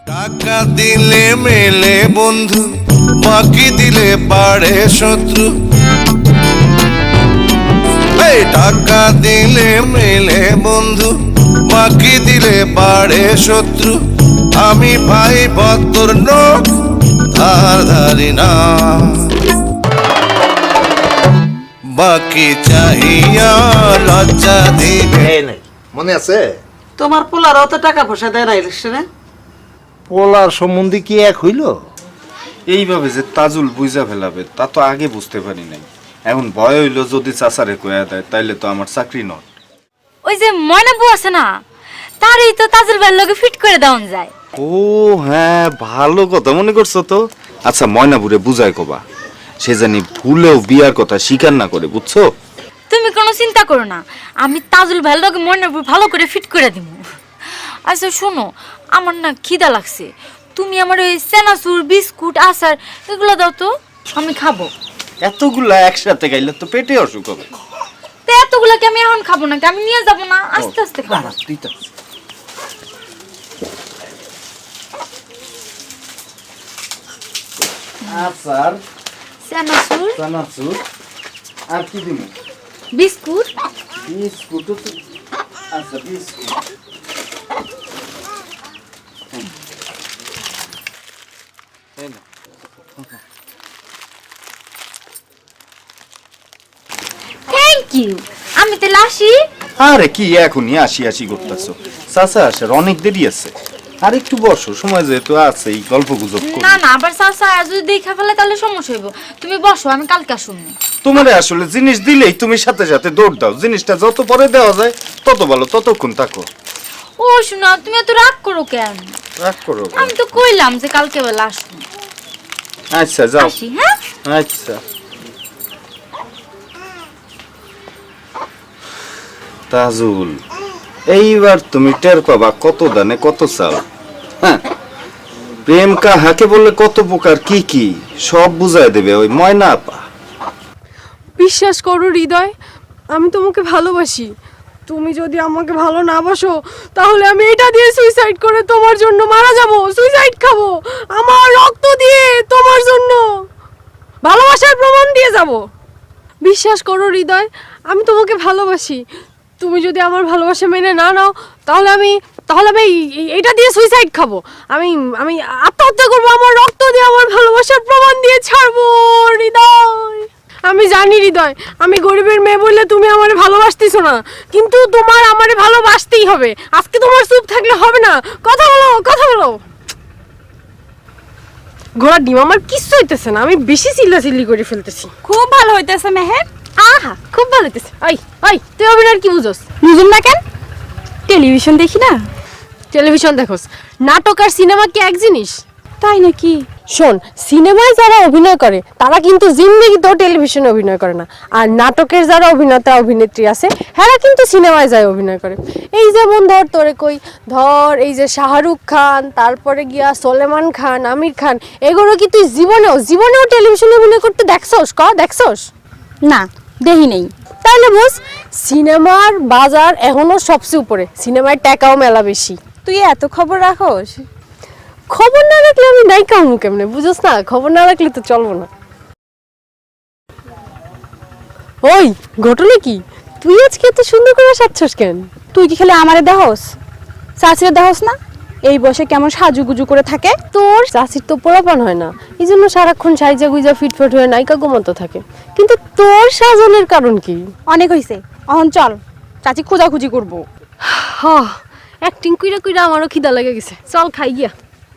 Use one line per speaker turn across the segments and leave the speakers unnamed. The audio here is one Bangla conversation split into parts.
টাকা দিলে মেলে বন্ধু, বাকি দিলে বাড়ে শত্রু। এই টাকা দিলে মেলে বন্ধু, বাকি দিলে বাড়ে শত্রু। আমি ভাই ভদ্র নোট ধার ধারি না, বাকি চাহিয়া লজ্জা দিবে।
মনে আছে
তোমার পোলার অত টাকা পয়সা দেয় না ইলেকশনে?
পোলার সম্বন্ধে কি এক হইল?
এইভাবে যে তাজুল বুঝা ফেলাবে তা তো আগে বুঝতে পারি নাই। এখন ভয় হইলো যদি চাচারে কয়া দেয় তাইলে তো আমার চাকরি নট।
ওই যে ময়নাবু আছে না, তারই তো তাজুল ভাইয়ের লগে ফিট করে দেওয়া যায়।
ও হ্যাঁ, ভালো কথা মনে করছো তো। আচ্ছা ময়নাপুরে বুঝায় কবা, সে জানি ভুলেও বিয়ার কথা স্বীকার না করে, বুঝছো?
তুমি কোনো চিন্তা করো না, আমি তাজুল ভাইয়ের লগে ময়নাবু ভালো করে ফিট করে দিব। আচ্ছা শোনো, আমার না খিদা লাগছে, তুমি আমার ওই সেনাসুর বিস্কুট আচার এগুলো দাও তো, আমি খাবো।
এতগুলা একসাথে খাইলে তো পেটে অসুখ হবে।
তো এতগুলাকে আমি এখন খাবো নাকি, আমি নিয়ে যাবো না, আস্তে আস্তে খাবো।
আচার,
সেনাসুর,
চানাচুর, আর কি দিমু?
বিস্কুট।
বিস্কুট তো, আচ্ছা বিস্কুট।
থ্যাংক ইউ, আমি তাহলে আসি।
আরে কি এখনই আসি আসি করতেছো? চাচা আসার অনেক দেরি আছে, আর একটু বসো, সময় যেহেতু আছে এই গল্প গুজব করি।
না না, আবার চাচা যদি দেখা ফেলে তাহলে সমস্যা হইব। তুমি বসো, আমি কালকে আসুন।
তোমারে আসলে জিনিস দিলেই তুমি সাথে সাথে দৌড় দাও, জিনিসটা যত পরে দেওয়া যায় তত ভালো, ততক্ষণ থাকো।
ও শোনা, তুমি এত রাগ করো কেন?
রাগ করো কেন?
আমি তো কইলাম যে কালকে বেলা আসুন।
আচ্ছা যাও।
আসি, হ্যাঁ।
আচ্ছা তাজুল, এইবার তুমি টের পাবা কত দানে কত চাল। হ্যাঁ, প্রেম কাহাকে বলে কত প্রকার কি কি সব বুঝাই দেবে ওই ময়না আপা।
বিশ্বাস করো হৃদয়, আমি তোমাকে ভালোবাসি। তুমি যদি আমাকে ভালো না বাসো তাহলে আমি এটা দিয়ে সুইসাইড করে তোমার জন্য মারা যাব, সুইসাইড খাবো, আমার রক্ত দিয়ে তোমার জন্য ভালোবাসার প্রমাণ দিয়ে যাব। বিশ্বাস করো হৃদয়, আমি তোমাকে ভালোবাসি। তুমি যদি আমার ভালোবাসা মেনে না নাও তাহলে আমি এটা দিয়ে সুইসাইড খাবো, আমি আমি আত্মহত্যা করবো, আমার রক্ত দিয়ে আমার ভালোবাসার প্রমাণ দিয়ে ছাড়বো হৃদয়। আমি জানি হৃদয়, আমি গরিবের মেয়ে বললে তুমি আমারে ভালোবাসতেছো না, কিন্তু তোমার আমারে ভালোবাসতেই হবে। আজকে তোমার চুপ থাকলে হবে না, কথা বলো কথা বলো। ঘোড়ার ডিম আমার কিচ্ছু হইতেছে না, আমি বেশি চিল্লাচিল্লি করে ফেলতেছি।
খুব ভালো হইতেছে মেহের।
আহা খুব ভালো হইতেছে। ওই তুই অভিনয় কি বুঝোস?
বুঝুন না কেন? টেলিভিশন দেখি না।
টেলিভিশন দেখোস? নাটক আর সিনেমা কি এক জিনিস?
তাই নাকি?
শোন, সিনেমায় যারা অভিনয় করে তারা কিন্তু জিন্দেগিতেও টেলিভিশনে অভিনয় করে না, আর নাটকের যারা অভিনেতা অভিনেত্রী আছে হ্যাঁ কিন্তু সিনেমায় যায় অভিনয় করে। এই যেমন ধর এই যে শাহরুখ খান, তারপরে গিয়া সলেমান খান, আমির খান, এগুলো কি তুই জীবনেও টেলিভিশনে অভিনয় করতে দেখছস?
না, দেখি নেই।
তাহলে বুঝ, সিনেমার বাজার এখনো সবচেয়ে উপরে, সিনেমার টাকাও মেলা বেশি।
তুই এত খবর রাখোস?
খবর না রাখলে আমি নায়িকা হবো কেমনে, বুঝোস না? খবর না রাখলে তো চলবো না। ওই ঘটনা কি, তুই আজকে এত সুন্দর করে সাজছস কেন?
তুই কি খালি আমারে দেহস, চাচিরে দেহস না? এই বয়সে কেমন সাজুগুজু করে থাকে।
তোর চাচির তো পোলাপান হয় না, এই জন্য সারাক্ষণ সাইজা গুইজা ফিটফাট হয়ে নায়িকা ঘুমন্ত থাকে, কিন্তু তোর সাজনের কারণ কি?
অনেক হইছে, অহন চল, চাচি খোঁজাখুঁজি করবো।
হ্যাঁ, অ্যাক্টিং কইরা আমারও খিদা লেগে গেছে, চল খাই গিয়া।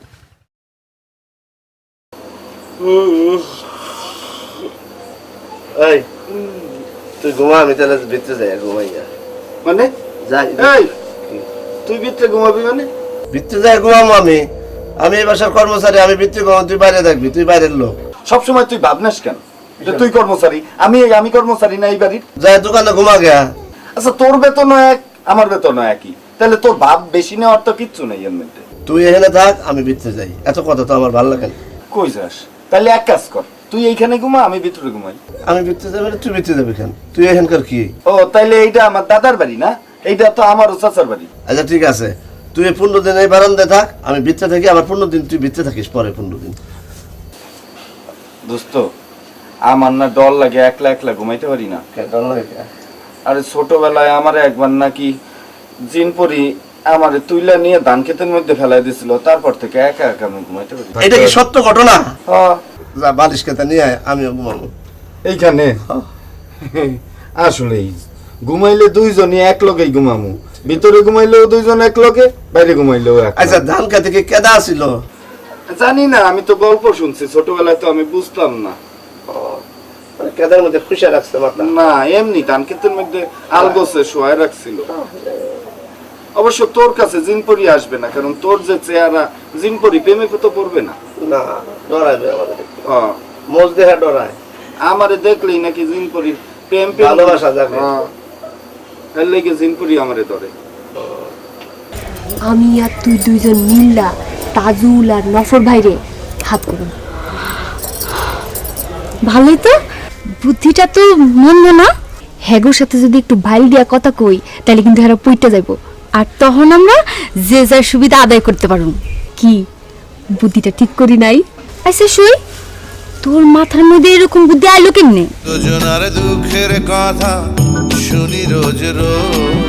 এই তুই ঘুমা, আমি তাহলে ভিতরে যাই ঘুমাই।
মানে
যাই
এই তুই ভিতরে ঘুমাবি মানে?
ভিতরে যাই ঘুমাবো আমি এই বাসার কর্মচারী, আমি ভিতরে ঘুমাবো, তুই বাইরে থাকবি, তুই বাইরের লোক।
সবসময় তুই ভাবনাস কেন যে তুই কর্মচারী, আমি কর্মচারী না এই বাড়ির?
যাই দোকানে ঘুমা গিয়া।
আচ্ছা তোর বেতন এক, আমার বেতন একই, তাহলে তোর ভাব বেশি নেওয়ার তো কিচ্ছু নেই এর মধ্যে।
তুই এখানে থাক, আমি ভিতরে যাই, এত কথা তো আমার ভালো লাগে না।
কই যাস? তাহলে এক কাজ কর, তুই এইখানে ঘুমা, আমি ভিতরে ঘুমাই।
আমি ভিতরে যাবি না, তুই ভিতরে যাবি কেন? তুই এখানকার কি?
ও তাইলে এইটা আমার দাদার বাড়ি না, এইটা তো আমারও চাচার বাড়ি।
আচ্ছা ঠিক আছে, তুই 15 দিন এই বারান্দায় থাক, আমি ভিতরে থাকি, আবার 15 দিন তুই ভিতরে থাকিস, পরে 15 দিন।
দোস্ত আমার না ডর লাগে, একলা একলা ঘুমাইতে পারি না। আরে ছোটবেলায় আমার একবার নাকি জিনপরি আমারে তুইলা নিয়ে ধান ক্ষেতের মধ্যে ফেলাই দিছিল, তারপর থেকে একা একা আমি ঘুমাইতে পারি।
এটা কি সত্য ঘটনা?
হ্যাঁ,
যা বালিশ কেটে নিয়ে আয়, আমিও ঘুমাবো।
এইখানে আসলেই ঘুমাইলে দুইজনই এক লগেই ঘুমামু, ভিতরে ঘুমাইলেও দুইজন এক লগে, বাইরে ঘুমাইলেও এক।
আচ্ছা, ধান খেতে কি কেদা ছিল?
জানি না, আমি তো গল্প শুনছি, ছোটবেলায় তো আমি বুঝতাম না।
মানে কেদার মধ্যে খুশি রাখছে মাথা?
না, এমনি ধান ক্ষেতের মধ্যে আলগোছে শোয়ায় রাখছিল। অবশ্য তোর কাছে জিনপরি আসবে না, কারণ তোর যে চেহারা, জিনপরি প্রেমে তো পড়বে না।
না, ডরাইবে আমাদের,
হ্যাঁ,
মোজ দেহা ডরায়।
আমারে দেখলেই নাকি জিনপরি প্রেম
ভালোবাসা যাবে।
এর লেগে জিনপরি আমারে ধরে।
আমি আর তুই দুইজন মিল্লা তাজুল আর নফর ভাইরে হাত করুন। ভালোই তো, বুদ্ধিটা তো মন্দ না। হ্যাগোর সাথে যদি একটু বাইল দিয়া কথা কই, তাহলে কিন্তু হেরা পইটা যাইব, আর তখন আমরা যে যার সুবিধা আদায় করতে পারব। কি বুদ্ধিটা ঠিক করি নাই? আচ্ছা শুই, তোর মাথার মধ্যে এরকম বুদ্ধি আইলো কেমনে?
দুজনার দুঃখের কথা শুনি রোজ রোজ,